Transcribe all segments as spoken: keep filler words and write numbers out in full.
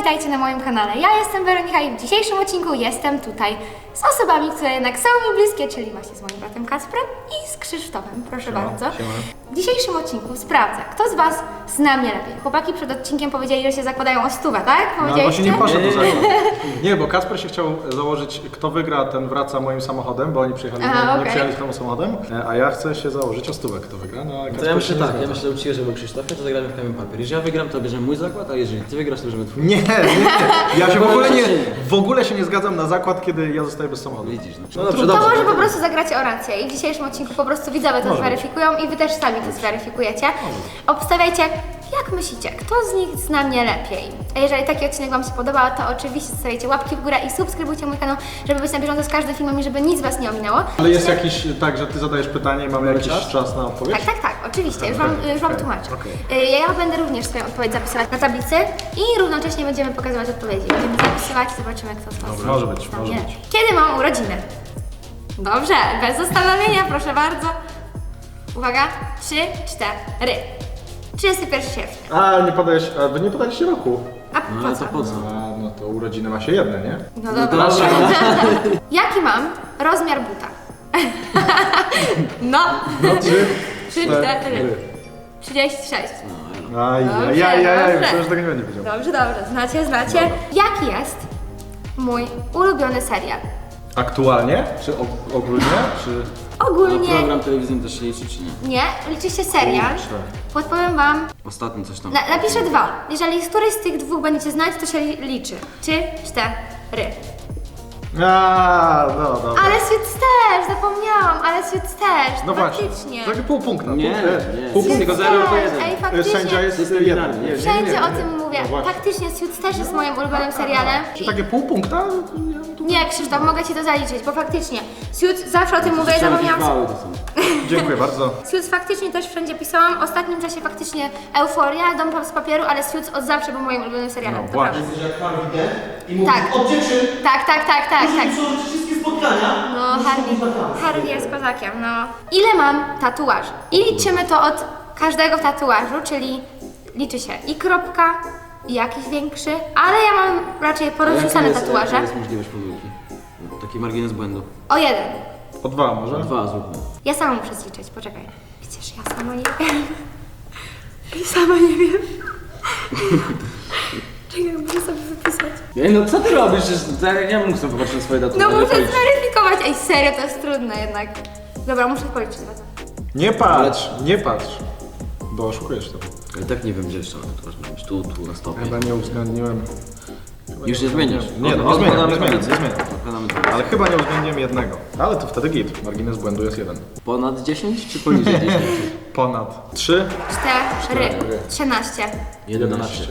witajcie na moim kanale. Ja jestem Weronika i w dzisiejszym odcinku jestem tutaj z osobami, które jednak są mi bliskie, czyli właśnie z moim bratem Kacprem i z Krzysztofem. Proszę Siema, bardzo. siema. W dzisiejszym odcinku sprawdzę, kto z Was zna mnie lepiej. Chłopaki przed odcinkiem powiedzieli, że się zakładają o stówę, tak? No, ale Powiedzieliście? właśnie nie poszedł do Nie, nie, zakładu. Nie, bo Kacper się chciał założyć, kto wygra, ten wraca moim samochodem, bo oni przyjechali, Aha, nie, nie okej. przyjechali swoim samochodem, a ja chcę się założyć o stówę, kto wygra. No, a To Kacper ja myślę się nie tak, zgadza. ja myślę, że uczciwie, że był Krzysztofie, to zagramy w kamień papier. Jeżeli ja wygram, to bierzemy mój zakład, a jeżeli ty wygrasz, to bierzemy twój. Nie, nie, nie. Ja się w ogóle nie, Zobaczymy. w ogóle się nie zgadzam na zakład, kiedy ja zostaję bez samochodu. Widzisz, no, no dobrze, To dobrze. może po prostu zagracie o rację i w dzisiejszym odcinku po prostu widzowie to Może zweryfikują i wy też sami to zweryfikujecie. Obstawiajcie, jak myślicie, kto z nich zna mnie lepiej? A jeżeli taki odcinek Wam się podobał, to oczywiście zostawiajcie łapki w górę i subskrybujcie mój kanał, żeby być na bieżąco z każdym filmem i żeby nic Was nie ominęło. Ale jest jakiś, tak, że ty zadajesz pytanie i mamy jakiś czas? czas na odpowiedź? Tak, tak, tak, oczywiście, już Wam, już wam okej, tłumaczę. okej. Y, Ja będę również swoją odpowiedź zapisywać na tablicy i równocześnie będziemy pokazywać odpowiedzi. Będziemy zapisywać i zobaczymy, kto z Was Dobra, może być, zna może mnie być. lepiej. Kiedy mam urodziny? Dobrze, bez zastanowienia, proszę bardzo. Uwaga, trzy, cztery. trzydziestego pierwszego sierpnia. A, nie podajesz, a wy nie podaliście roku. A No po ale co? to po co? A, no to urodziny ma się jedne, nie? No No dobra. dobra. Jaki mam rozmiar buta? No, No trzy, trzy, cztery. trzydzieści sześć. Aj, Dobrze, aj, aj, aj, dobrze. myślałem, że tego nie będzie wiedział. Dobrze, dobrze, znacie, znacie. Jaki jest mój ulubiony serial? Aktualnie? Czy og- ogólnie? Czy... A Ogólnie program telewizyjny też się liczy, czy nie? nie, liczy się serial. Podpowiem Wam, Ostatni coś tam. na, napiszę dwa. Jeżeli któryś z tych dwóch będziecie znać, to się li- liczy. Trzy, cztery. A, no dobra. Ale Suits też, zapomniałam, ale Suits też, No właśnie, faktycznie. takie pół punkta. Nie, pół, e, nie. Pół Suits punkta. Tylko zero albo też, jeden. Ej, faktycznie. Sędzia jest System jeden. binarny. Nie, nie, nie, Wszędzie nie, o nie. tym mówię. No właśnie. Faktycznie Suits też jest moim ulubionym serialem. Czy takie pół punkta? Ja tu- Nie, Krzysztof, mogę Ci to zaliczyć, bo faktycznie Suits, zawsze o tym mówię, Słyszałem, jakieś zapomniałam. wały to są. Dziękuję bardzo. Suits faktycznie też wszędzie pisałam. W ostatnim czasie faktycznie Euforia, Dom z papieru, ale Suits od zawsze był moim ulubionym serialem. No to właśnie. prawda. Że jak Harvey Dent i mówi Tak. od dziewczyn, Tak, tak, tak, tak, tak. muszą robić wszystkie spotkania. No, muszą Harvey, być na kamerze. Harvey jest kozakiem, no. Ile mam tatuaży? I liczymy to od każdego tatuażu, czyli liczy się i kropka, i jakiś większy, ale ja mam raczej A jaka porozrzucane jest- tatuaże. jaka jest możliwość pomyłki? Taki margines błędu. O jeden. O dwa może? Dwa zróbmy. Ja sama muszę zliczyć, poczekaj. Przecież ja sama nie wiem. Ja sama nie wiem. Czekaj, muszę sobie wypisać. Ej, no co ty robisz? Przecież to ja nie mógł sobie popatrzeć na swoje daty. No muszę zweryfikować. Ej, serio, to jest trudne jednak. Dobra, muszę policzyć dwa. Nie patrz, nie patrz. Bo oszukujesz to. Ale tak nie wiem, gdzie jeszcze to masz być. Tu, tu, na stopie. Chyba nie uwzględniłem. Już nie zmieniasz. Nie, no, nie Od- zmieniam, odkładamy nie zmieniam, tablicy. nie zmieniam. Odkładamy tablicy. Ale chyba nie uwzględniłem jednego. Ale to wtedy git. Margines błędu jest jeden. Ponad dziesięć czy poniżej dziesięć? Ponad. Trzy. Cztery. Cztery. Trzynaście. jedenaście.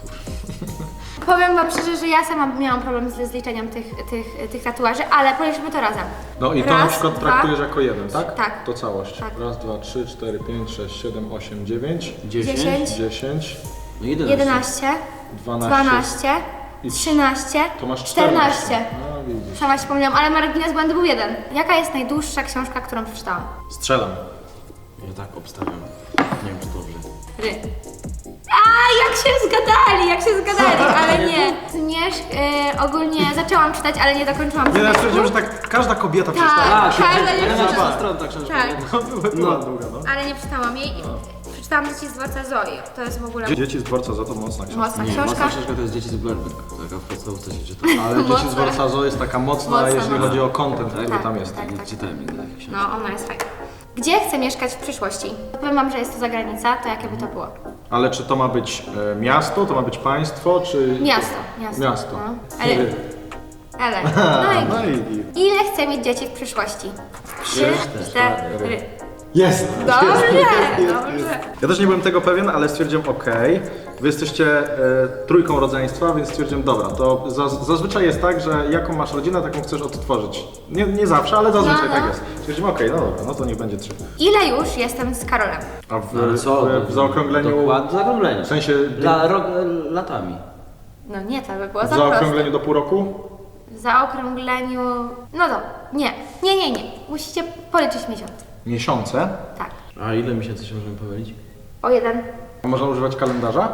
Powiem Wam szczerze, że ja sama miałam problem ze zliczeniem tych, tych, tych tatuaży, ale policzmy to razem. No i to Raz, na przykład dwa, traktujesz jako jeden, tak? Tak. To całość. Tak. Raz, dwa, trzy, cztery, pięć, sześć, siedem, osiem, dziewięć, dziesięć. dziesięć, dziesięć, No jedenaście. jedenaście, dwanaście. dwanaście, I- trzynaście, To masz czternaście. czternaście. No widzisz. Sama się pomyliłam, ale margines błędu był jeden. Jaka jest najdłuższa książka, którą przeczytałam? Strzelam. Ja tak obstawiam. Nie wiem, czy dobrze. Ry. A, jak się zgadali, jak się zgadali, ale nie. Zmierzch, y, ogólnie zaczęłam czytać, ale nie dokończyłam Nie, ja zmierzchu. stwierdziłem, że tak każda kobieta Tak. przeczytała. A, Każda ja dziewczyna. na stronę ta książka. Tak. No, była, była długa, no. Ale nie przeczytałam jej. Przeczytałam Dzieci z dworca Zoi. To jest w ogóle Dzieci z dworca za to mocna książka. mocna Nie, książka. mocna książka to jest Dzieci z Blairburg. Taka w podstawówce się czyta. Ale Dzieci z Mocna. dworca Zo jest taka mocna, Mocna, jeżeli mocna. chodzi o content, który Tak, tam jest. tak. Nie czytałem nigdy takiej książki. No, ona jest fajna. Gdzie chcę mieszkać w przyszłości? Powiem Wam, że jest to zagranica, to jakie by to było? Ale czy to ma być e, miasto, to ma być państwo, czy... Miasto, miasto. Miasto. No. Ale, ale, no No i i... ile chcę mieć dzieci w przyszłości? Trzy, cztery. Jest! Dobrze, dobrze. Ja też nie byłem tego pewien, ale stwierdziłem ok. Wy jesteście e, trójką rodzeństwa, więc stwierdziłem dobra, to za, zazwyczaj jest tak, że jaką masz rodzinę, taką chcesz odtworzyć. Nie, nie zawsze, ale zazwyczaj No, no. tak jest. Stwierdziłem ok, no dobra, no to niech będzie trzy. Ile już jestem z Karolem? A w, No ale co? w, w zaokrągleniu... Dokładnie, w zaokrągleniu. W sensie... Dla, ro, latami. No nie, to by było W za proste. zaokrągleniu do pół roku? W zaokrągleniu... No to, nie, nie, nie, nie. Musicie policzyć miesiąc. Miesiące? Tak. A ile miesięcy się możemy pomylić? O jeden. A można używać kalendarza?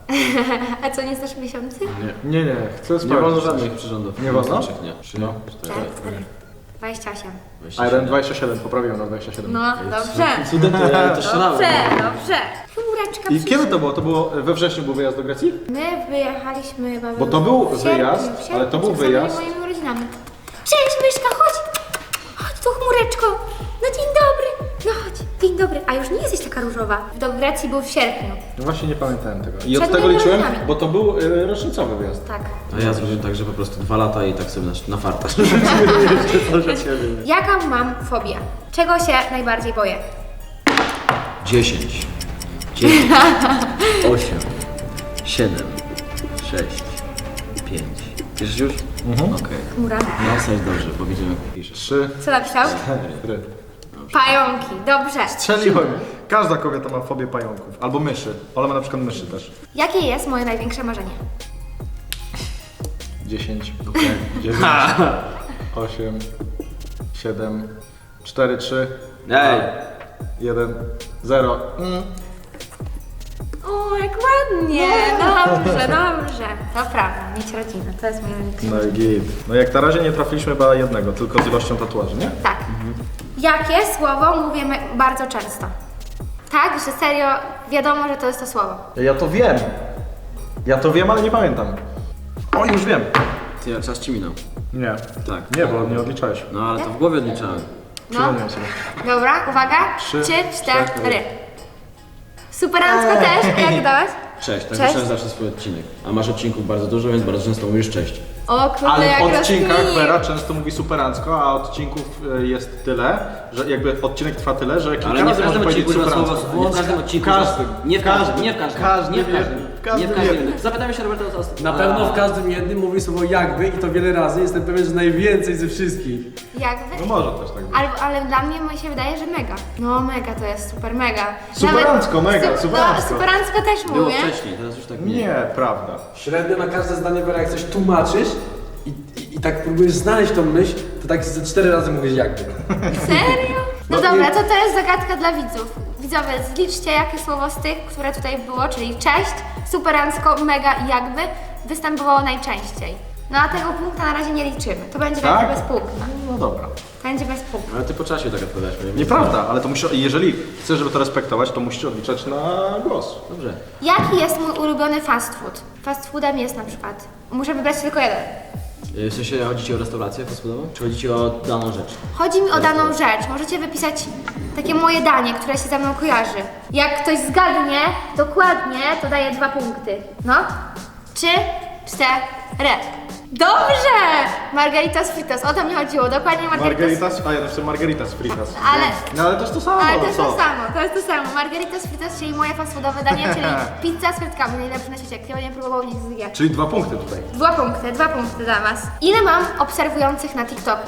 A co, nie znasz miesiący? Nie, nie, chcę Nie sprawdzić. wolno żadnych przyrządów. Nie wolno? Nie. Trzy, No. cztery, dwadzieścia osiem. A jeden dwadzieścia siedem, poprawiłem na dwadzieścia siedem. No, dobrze. Cudem to ja to strzelałem. Dobrze, dobrze. Chmureczka I przyszła. kiedy to było? To było we wrześniu był wyjazd do Grecji? My wyjechaliśmy chyba... Bo to był w sierpniu, wyjazd, w sierpniu, ale to był przed samymi wyjazd. moimi urodzinami. Cześć, myszka, chodź! Chodź tu, chmureczko! No dzień dobry! No chodź, dzień dobry. A już nie jesteś taka różowa. Do Grecji był w sierpniu. No właśnie nie pamiętałem tego. I od Przed tego moimi liczyłem, urodzinami. bo to był y, rocznicowy wyjazd. Tak. A ja zrobiłem tak, że po prostu dwa lata i tak sobie na, na farta. Jaka mam fobię? Czego się najbardziej boję? Dziesięć, dziewięć, osiem, siedem, sześć, pięć. Piszesz już? Mhm. Okej. Chmura. No, jesteś dobrze, bo widzimy jak piszesz. Trzy, Co napisał? cztery. Pająki. Dobrze. Strzeliłem. Każda kobieta ma fobię pająków. Albo myszy. Ola ma na przykład myszy też. Jakie jest moje największe marzenie? dziesięć, dziewięć, osiem, siedem, cztery, trzy, Ej! jeden, zero. Mm. O, jak ładnie. Dobrze, dobrze. To prawda, mieć rodzinę. To jest moje największe No i git. No jak na razie nie trafiliśmy chyba jednego, tylko z ilością tatuaży, nie? Tak. Jakie słowo mówimy bardzo często? Tak, że serio wiadomo, że to jest to słowo. Ja to wiem. Ja to wiem, ale nie pamiętam. O, już wiem. Ty, czas ci minął. Nie. Tak. Nie, bo nie odliczałeś. No ale to w głowie odliczałem. No. Przypomniałem sobie. Dobra, uwaga. Trzy, Trzy, cztery. cztery. Superancko też. Jak dałeś? Cześć, tak Cześć. zacząłem zawsze swój odcinek. A masz odcinków bardzo dużo, więc bardzo często mówisz cześć. O kurde, Ale jak w odcinkach rozkminił. Vera często mówi superancko, a odcinków y, jest tyle, że jakby odcinek trwa tyle, że kilka Ale nie w razy może każdym powiedzieć odcinku używa superancko. słowa, nie w każdym odcinku. W każdym. Nie w każdym, nie w każdym. Każdy nie w wie, każdym. w każdym Nie w każdym. wie. Zapytajmy się Roberta o to. Na pewno w każdym jednym mówi słowo jakby i to wiele razy. Jestem pewien, że najwięcej ze wszystkich. Jakby? No może też tak być. Ale, ale dla mnie mi się wydaje, że mega. No mega to jest super mega. Superancko, mega, su- superancko. No, superancko też Było mówię. wcześniej, teraz już tak nie. Nie, prawda. Średnio na każde zdanie, Wera, jak coś tłumaczysz i, i, i tak próbujesz znaleźć tą myśl, to tak ze cztery razy mówisz jakby. Serio? No No dobra, i- to to jest zagadka dla widzów. Widzowie, zliczcie jakie słowo z tych, które tutaj było, czyli cześć, superancko, mega i jakby występowało najczęściej. No a tego punkta na razie nie liczymy. To będzie Tak? tak? bez punkta. No dobra. Będzie bez punkta. Ale ty po czasie tak odpowiadasz. nie? Nieprawda, ale to musi, jeżeli chcesz, żeby to respektować, to musisz odliczać na głos. Dobrze. Jaki jest mój ulubiony fast food? Fast foodem jest na przykład. Muszę wybrać tylko jeden. Y, W sensie chodzi ci o restaurację fastfoodową? Czy chodzi ci o daną rzecz? Chodzi mi o daną rzecz. Możecie wypisać takie moje danie, które się ze mną kojarzy. Jak ktoś zgadnie dokładnie, to daje dwa punkty. No. Trzy, cztery. Dobrze! Margaritas fritas, o to mi chodziło. Dokładnie margaritas. Margaritas, a ja napisałem Margaritas Fritas. Ale- No ale to jest to samo, Ale to jest co? to samo, to jest to samo. Margaritas fritas, czyli moje fast foodowe danie, czyli pizza z frytkami, najlepsze na świecie. Kto nie próbował, niech zje. Czyli dwa punkty tutaj. Dwa punkty, dwa punkty dla was. Ile mam obserwujących na TikToku?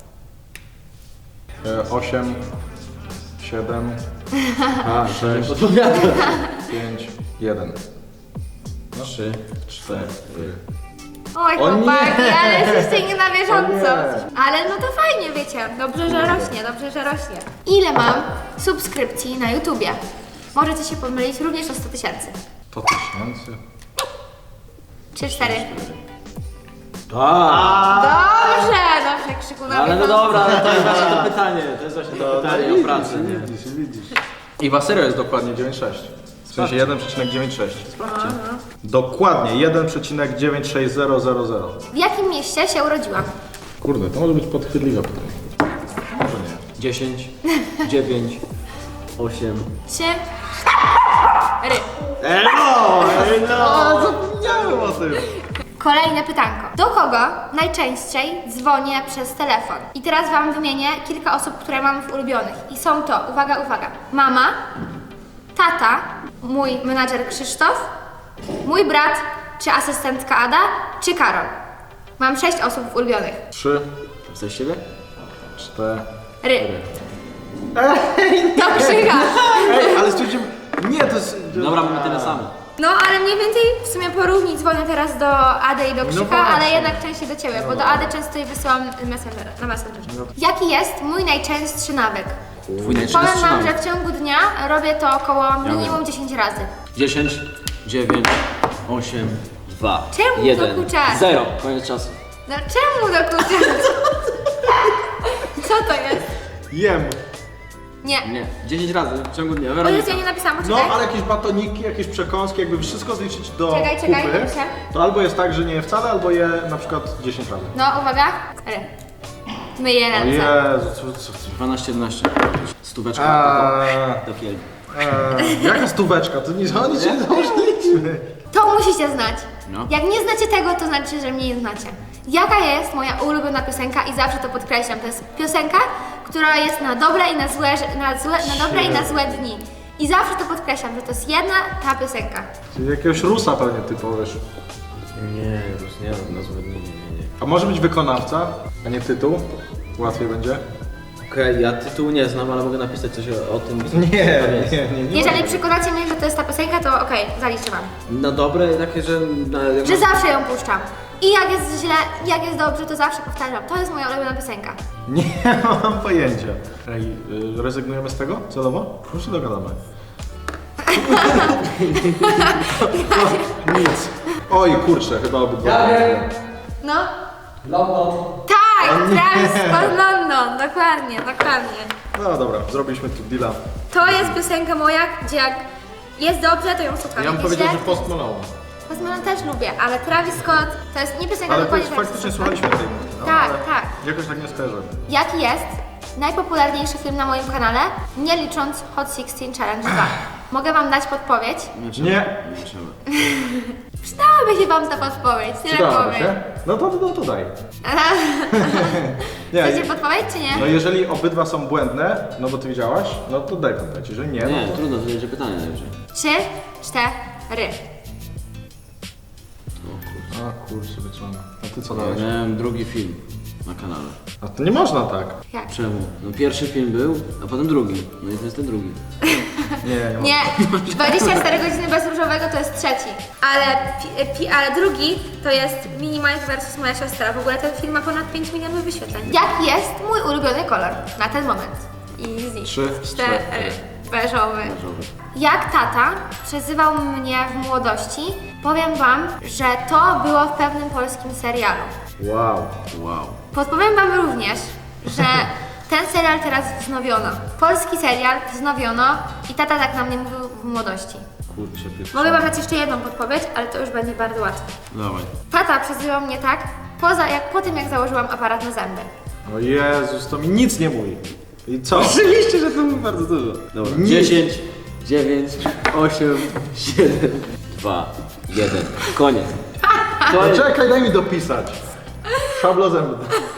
E, osiem, siedem, A, sześć. Odpowiadam. pięć, jeden. Trzy, cztery. Oj, O nie! chłopaki, ale jesteście nie na bieżąco. O nie! Ale no to fajnie, wiecie. Dobrze, że rośnie, dobrze, że rośnie. Ile mam subskrypcji na YouTubie? Możecie się pomylić również o sto tysięcy. To tysięcy. Trzy, cztery. A, Dobrze, dobrze, krzyku na ale no bieżąco. dobra, ale to jest właśnie to pytanie. To jest właśnie to pytanie o pracę, nie? Widzisz, widzisz. I Waserio jest dokładnie dziewięć przecinek sześć. W sensie jeden przecinek dziewięćdziesiąt sześć. Sprawdźcie. Dokładnie jeden przecinek dziewięć sześć zero zero zero. W jakim mieście się urodziłam? Kurde, to może być podchydliwe pytanie. Może nie. Dziesięć, dziewięć, osiem. Trzy, cztery. O, zapomniałem o tym. Kolejne pytanko. Do kogo najczęściej dzwonię przez telefon? I teraz wam wymienię kilka osób, które mam w ulubionych. I są to, uwaga, uwaga, mama, tata, mój menadżer Krzysztof, mój brat, czy asystentka Ada, czy Karol. Mam sześć osób w ulubionych. Trzy, Chcesz siebie? cztery. Ry. To Krzycha. Ej, ale stwierdziłem... Nie, to jest... Dobra, mamy tyle samo. No, ale mniej więcej w sumie porówni dzwonię teraz do Ady i do Krzycha, właśnie. ale jednak częściej do Ciebie, bo do Ady często jej wysyłam messenger, na Messengerze. Jaki jest mój najczęstszy nawyk? Twój najczęstszy Powiem Wam, że nawyk. w ciągu dnia robię to około minimum wiem. dziesięć razy. Dziesięć, dziewięć, osiem, dwa, Czemu jeden, dokuczasz? zero. Koniec czasu. No czemu dokuczasz? Co to jest? Jem. Nie. Nie, dziesięć razy w ciągu dnia. O Weronika. Jezu, ja nie napisałam, No, poczekaj. ale jakieś batoniki, jakieś przekąski, jakby wszystko zliczyć do Czekaj, czekaj, kupy, napiszę. to albo jest tak, że nie je wcale, albo je na przykład dziesięć razy. No, uwaga. Ry. Myję O ręce. Jezu, co, co, co. dwanaście, jedenaście. Stóweczka Eee, do kieli. eee, jaka stóweczka? To nic, o nic nie założyliśmy. To musicie znać. No. Jak nie znacie tego, to znaczy, że mnie nie znacie. Jaka jest moja ulubiona piosenka i zawsze to podkreślam. To jest piosenka, która jest na dobre i na złe, na, złe, na dobre i na złe dni. I zawsze to podkreślam, że to jest jedna ta piosenka. Czyli jakiegoś Rusa pewnie ty powiesz. Nie, już nie, na złe dni, nie, nie, nie. A może być wykonawca, a nie tytuł? Łatwiej będzie? Okej, ja tytułu nie znam, ale mogę napisać coś o, o tym. Nie, Tam jest. nie, nie. nie Jeżeli przekonacie mnie, że to jest ta piosenka, to okej, zaliczę wam. Na dobre, takie, że... Na, Że zawsze ją puszczam. I jak jest źle, jak jest dobrze, to zawsze powtarzam. To jest moja ulubiona piosenka. Nie mam pojęcia. Ej, y, rezygnujemy z tego celowo? Już się dogadamy. No, nic. Oj, kurczę, chyba obydwa. Ja wiem. No. London. Tak, Travis Scott London. Dokładnie, dokładnie. No dobra, zrobiliśmy tu deala. To jest piosenka moja, gdzie jak jest dobrze, to ją słucham. Ja bym Jak jest powiedział, że źle, Post Malone. Post Malone też lubię, ale Travis Scott to jest nie piosenka Ale to dokładnie jest, Travis faktycznie Scotta. słuchaliśmy tej muzyki. No, Tak, ale tak. Jakoś tak nie skojarzę. Jaki jest najpopularniejszy film na moim kanale, nie licząc Hot szesnaście Challenge dwa? Mogę wam dać podpowiedź? Nie trzeba. Nie. Nie trzeba. Przydałaby się wam ta podpowiedź, tyle Przydałoby powiem. się? No to, no to daj. Nie, Chcecie podpowiedź czy nie? no jeżeli obydwa są błędne, no bo ty widziałaś, no to daj podpowiedź. Jeżeli nie, Nie, no to... trudno, to będzie pytanie najwyżej. Trzy, cztery. A kurczę, wyciągnę. A ty co Ja dałeś? miałem drugi film na kanale. A to nie można tak. Jak? Czemu? No pierwszy film był, a potem drugi. No i to jest ten drugi. Nie, nie można. Nie, dwadzieścia cztery godziny bez różowego to jest trzeci. Ale, pi, pi, ale drugi to jest Minimize versus moja siostra. W ogóle ten film ma ponad pięć milionów wyświetleń. Jaki jest mój ulubiony kolor na ten moment? Easy. Trzy, cztery. Beżowy. Beżowy. Jak tata przezywał mnie w młodości, powiem wam, że to było w pewnym polskim serialu. Wow. Wow. Podpowiem wam również, że ten serial teraz wznowiono. Polski serial wznowiono i tata tak na mnie mówił w młodości. Kurczę, pierwszy. Mogę wam dać jeszcze jedną podpowiedź, ale to już będzie bardzo łatwe. Dawaj. Tata przezywał mnie tak, poza jak po tym jak założyłam aparat na zęby. O Jezus, to mi nic nie mówi. I co? Oczywiście, że to mówi bardzo dużo. Dobra. Nic. dziesięć, dziewięć, osiem, siedem, dwa, jeden. Koniec. No Koniec. czekaj, daj mi dopisać. Szablo zęby.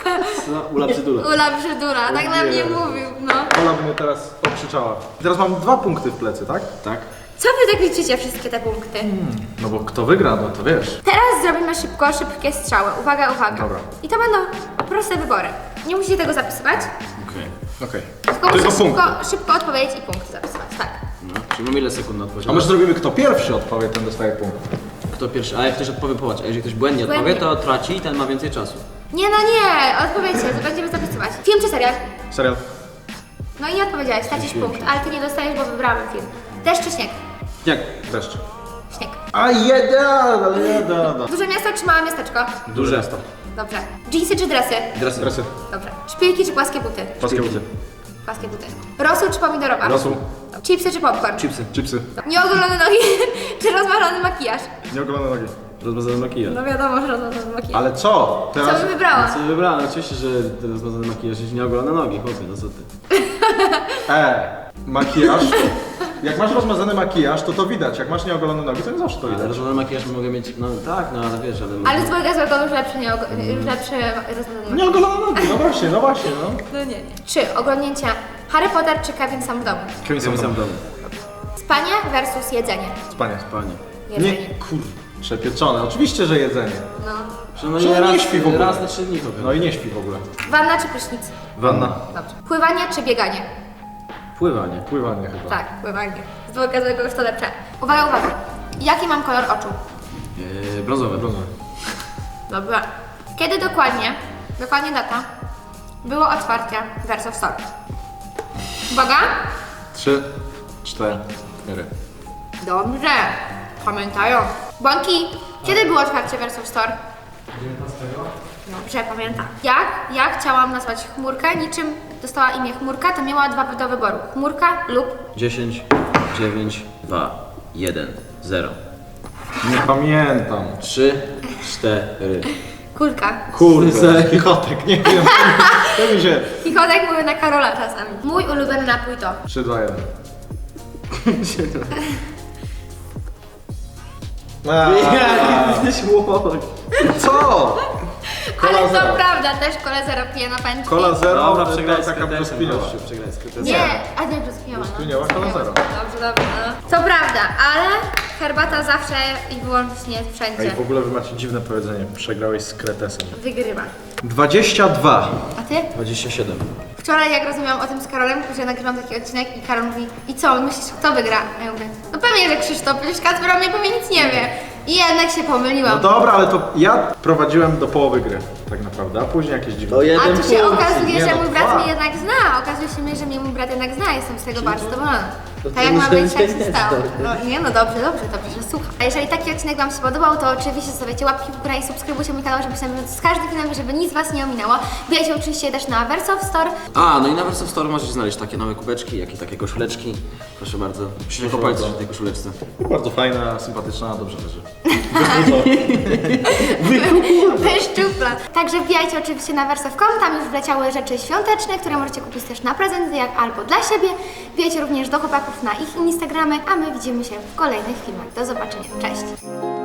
No, Ula Brzydula. Ula brzydura, tak na mnie Jezu. mówił, no. Ola by mnie teraz okrzyczała. Teraz mam dwa punkty w plecy, tak? Tak? Co wy tak liczycie wszystkie te punkty? No bo kto wygra, no to wiesz. Teraz zrobimy szybko, szybkie strzały. Uwaga, uwaga. Dobra. I to będą proste wybory. Nie musicie tego zapisywać, Okej. Okej. tylko Tylko musicie punkty. szybko, szybko odpowiedzieć i punkty zapisywać, tak. No, czyli mam ile sekund na odpowiedź? A może zrobimy kto pierwszy odpowie, ten dostaje punkt. Kto pierwszy? A jak ktoś odpowie, popatrz, a jeżeli ktoś błędnie odpowie, Błędnie. to traci i ten ma więcej czasu. Nie, no nie, odpowiedzcie, to będziemy zapisywać. Film czy serial? Serial. No i nie odpowiedziałeś, stracisz punkt, ale ty nie dostajesz, bo wybrałem film. Deszcz czy śnieg? Jak? Deszcz. Śnieg. A jeden, ale jeden. Duże miasto czy małe miasteczko? Duże miasto. Dobrze. Dżinsy czy dresy? Dresy. Dresy. Dobrze. Szpilki czy płaskie buty? Płaskie buty. Płaskie buty. Rosół czy pomidorowa? Rosół. Chipsy czy popcorn? Chipsy. Chipsy. Nieogolone nogi czy rozmarzony makijaż? Nieogolone nogi. Rozmazany makijaż. No wiadomo, że rozmarzony makijaż. Ale co? Co Teraz... bym wybrała? Co wybrałem? Oczywiście, że ten rozmazany makijaż jest nieogolone nogi, chłopie, no co ty. E, makijaż. Jak masz rozmazany makijaż, to to widać. Jak masz nieogolone nogi, to nie zawsze to Ale widać. rozmazany makijaż mogę mieć, no tak, no ale wiesz, ale... Ale z mojego złego już lepszy, nie, już lepszy rozmarzony makijaż. Nieogolone nogi, no właśnie, no właśnie, no. No nie, nie. Trzy. Oglądnięcia Harry Potter czy Kevin sam w domu? Kevin Sam sam w domu. Spanie versus jedzenie. Spanie. Panie. Jedzenie. Nie, kur... Przepieczone. Oczywiście, że jedzenie. No. Że no Że nie, nie raz, śpi w ogóle. raz na trzy dni chłopie. No i nie śpi w ogóle. Wanna czy prysznic? Wanna. Dobrze. Pływanie czy bieganie? Pływanie. Pływanie chyba. Tak, pływanie. Z dwojga złego już to lepsze. Uwaga, uwaga. Jaki mam kolor oczu? Yy, brązowe. Brązowe. Dobra. Kiedy dokładnie, dokładnie data, było otwarcie Verso Store? Uwaga. Trzy, cztery. Dobrze. Pamiętają. Bąki, kiedy było otwarcie Verso Store? dziewiętnastego? Dobrze, pamiętam. Jak ja chciałam nazwać chmurkę, niczym dostała imię chmurka, to miała dwa do wyboru. Chmurka lub... dziesięć, dziewięć, dwa, jeden, zero. Nie pamiętam. trzy, cztery. Kulka. Kurde, chichotek, nie wiem. To mi się... Chichotek mówię na Karola czasami. Mój ulubiony napój to... trzy, dwa, jeden. Jesteś łoś. Co? Cola Ale to zero. prawda, też kole zero piję na pęczki. Cola zero, Dobra, to przegrałeś z taka kretesem, brzoskwiniowa. gościu, przegrałeś z kretesem. Nie, a nie brzoskwiniowa. Brzoskwiniowa, Cola zero. Dobrze, dobrze. No. To prawda, ale herbata zawsze i wyłącznie Ej, wszędzie w ogóle wy macie dziwne powiedzenie. Przegrałeś z kretesem. wygrywa. dwadzieścia dwa. A ty? dwadzieścia siedem. Wczoraj jak rozmawiałam o tym z Karolem, że nagrywam taki odcinek i Karol mówi: i co, myślisz, kto wygra? A ja mówię: no pewnie, że Krzysztof, przecież Kacper o mnie pewnie nic nie wie. I jednak się No pomyliłam. dobra, ale to ja prowadziłem do połowy gry, tak naprawdę, a później jakieś dziwne. To jeden A tu się punkt. okazuje, Nie, że no mój brat dwa. mnie jednak zna. Okazuje się, że mnie mój brat jednak zna. Jestem z tego bardzo zadowolona. to Tak jak ma muszę być, tak się wiedzieć, stało. dobrze. No nie, no dobrze, dobrze, dobrze, że słucham. A jeżeli taki odcinek Wam się podobał, to oczywiście zostawiacie łapki w górę i subskrybujcie mój kanał, żebyście na bieżąco z każdym filmem, żeby nic Was nie ominęło. Wbijajcie oczywiście też na Verso Store. A, no i na Verso Store możecie znaleźć takie małe kubeczki, jak i takie koszuleczki. Proszę bardzo. Proszę po palcu bardzo. w tej koszuleczce. Bardzo fajna, sympatyczna, dobrze leży. Wyszczupla. Także wbijajcie oczywiście na verso kropka com, tam już wleciały rzeczy świąteczne, które możecie kupić też na prezenty, jak albo dla siebie. Wbijajcie również do chłopaków na ich Instagramy, a my widzimy się w kolejnych filmach. Do zobaczenia. Cześć!